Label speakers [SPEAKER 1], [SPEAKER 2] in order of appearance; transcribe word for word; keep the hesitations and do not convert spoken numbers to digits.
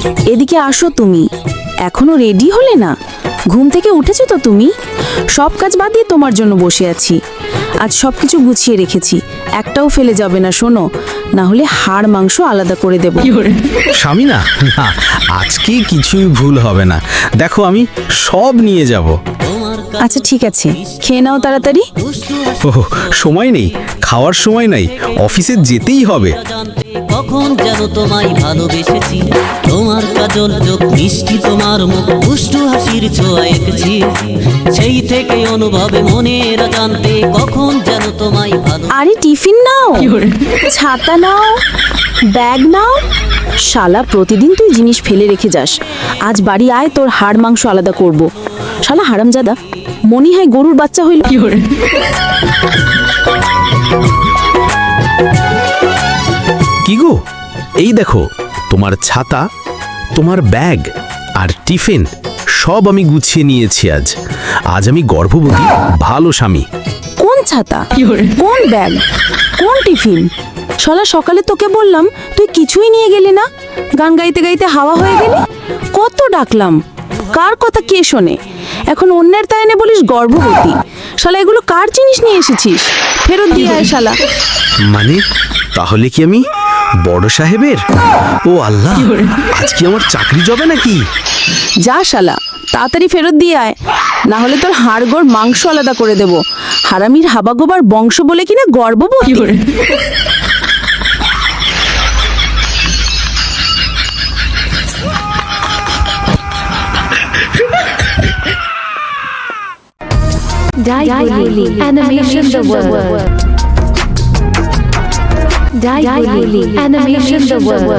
[SPEAKER 1] এদিকে আসো তুমি। এখনো রেডি হলে না? ঘুম থেকে উঠেছো তো তুমি? সব কাজ বাদ দিয়ে তোমার জন্য বসে আছি। আজ সব কিছু গুছিয়ে রেখেছি, একটাও ফেলে যাবে না শোনো, না হলে হাড় মাংস আলাদা করে দেব।
[SPEAKER 2] স্বামী না, না, আজকে কিছুই ভুল হবে না। দেখো আমি সব নিয়ে যাব।
[SPEAKER 1] আচ্ছা ঠিক আছে, খেয়ে নাও তাড়াতাড়ি।
[SPEAKER 2] ও, সময় নেই, খাওয়ার সময় নাই, অফিসে যেতেই হবে।
[SPEAKER 3] কখন যেন তোমায় ভালোবেসেছি, তোমার কাজল চোখ মিষ্টি, তোমার মুখ দুষ্টু হাসির ছোঁয়া এঁকেছি। সেই থেকে অনুভবে মনের জানতে কখন যেন তোমায় ভালো।
[SPEAKER 1] আরে টিফিন নাও, ছাতা নাও, ব্যাগ নাও। শালা প্রতিদিন তুই জিনিস ফেলে রেখে যাস, আজ বাড়ি আয়, তোর হাড় মাংস আলাদা করব। শালা হারামজাদা, মনি হয় গরুর বাচ্চা হইল।
[SPEAKER 2] কি গো, এই দেখো তোমার ছাতা, তোমার ব্যাগ আর টিফিন সব আমি গুছিয়ে নিয়েছি। আজ আজ আমি গর্ভবতী, ভালো স্বামী।
[SPEAKER 1] কোন ছাতা, কোন ব্যাগ, কোন টিফিন? শালা সকালে তোকে বললাম, তুই কিছুই নিয়ে গেলি না। গান গাইতে গাইতে হাওয়া হয়ে গেলি। কত ডাকলাম, কার কথা কে শোনে? এখন অন্যের তাই এনে বলিস গর্ভবতী। শালা এগুলো কার জিনিস নিয়ে এসেছিস? ফেরত দিয়ে আয় শালা।
[SPEAKER 2] মানে তাহলে কি আমি বড় সাহেবের? ও আল্লাহ, আজ কি আমার চাকরি যাবে নাকি?
[SPEAKER 1] যা শালা, তাড়াতাড়ি ফেরত দিয়ে আয়, না হলে তোর হাড়গোড় মাংস আলাদা করে দেব। হারামির হাবাগোবার বংশ বলে কিনা গর্ভবতী।
[SPEAKER 4] Daiguli Animation the World. Daiguli Animation the World.